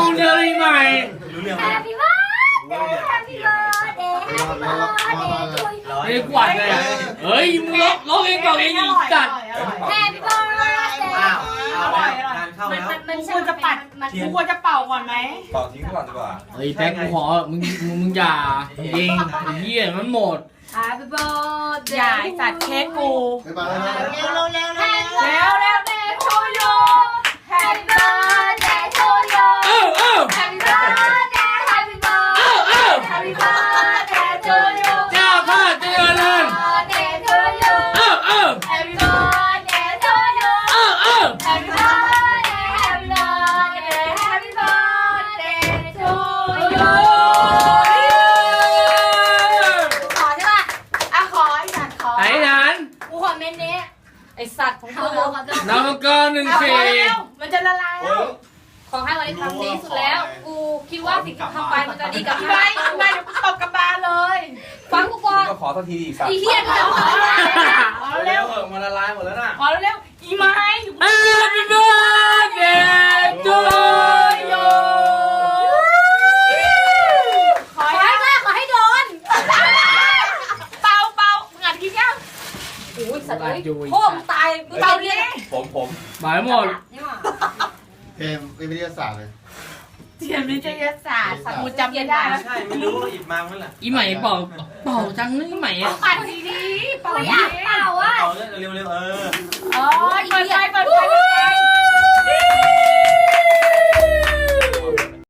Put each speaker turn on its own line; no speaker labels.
งเธอเลยใหม่
รู้เรื่อง
Happy birthday Happy birthday Happy birthday to you
ไอ้กวาดเลยเฮ้ยมึงร้องเองก่อนเองอีกจัด
Happy birthday
อร่อยงานเข้าแล้ว
มันควรจะปัดมันควรจะเป่าก่อนไหม
เป่าทิ้งก่อนดีกว่า
เฮ้ยแท็กกูขอมึงอย่าเองไอ้เหี้ยมันหมด
Happy birthday
อย่าจัดเค้กกู
ไปมาแล้วนะ
เร็วเร็ว Happy birthday to you Happy birthday to you Happy birthday Happy birthday Happy birthday to you
เจ้าข้าเจริญ
Birthday to you Happy birthday to you Happy birthday Happy birthday Happy birthday to you ขอใช่ป่ะอ่ะขอไอ้สัตว์ขอ
ไอ้นั้น
กูขอเมนนี้
ไอสัตว์ของกู
นามกรหนึ่ง
เอา
สี่
พอแล้วมันจะละลายแล้ว
ขอให้วันนี้ทำดีสุดแล้ว กูคิดว่าสิ่งที่ทำไปมันจะดีกับ
ทำ
พี่
ไม
ไม้
ทำไมเดี๋ยวกูตบกระบาลเลย
ฟังกูก่อน
ก็ขอทันทีอีกสัก
อีเหี้ยมึงจะขออะไร
ขอเร็ว
เออมาละลายหมดแล้วน่ะ
ขอเร็วอีไม้
Happy birthday to you
ขอ
ขอให้มากขอให้โดน
เป่าเป่ามึงอัดกินยัง
โอ้ยสัตว์เลยโค้งตายกู
เป่า
ตาย
ดิ
เนี่ย
ผม
หมายหมด
เกมวิทยาศาสตร์เลย
เทียนวิทยาศาสตร์กูจำไม่ได้
ใช่ไม่รู้ว่าหยิบมาเมื่อไหร่
อีใหม่เป่าจังเลยอีใหม่อะ
ปัดดีๆเป่า
กูอ
ดี
ยากเป่าอ่ะ
เอาเร็วเร็วเออ
โอ้ยเปิดไฟ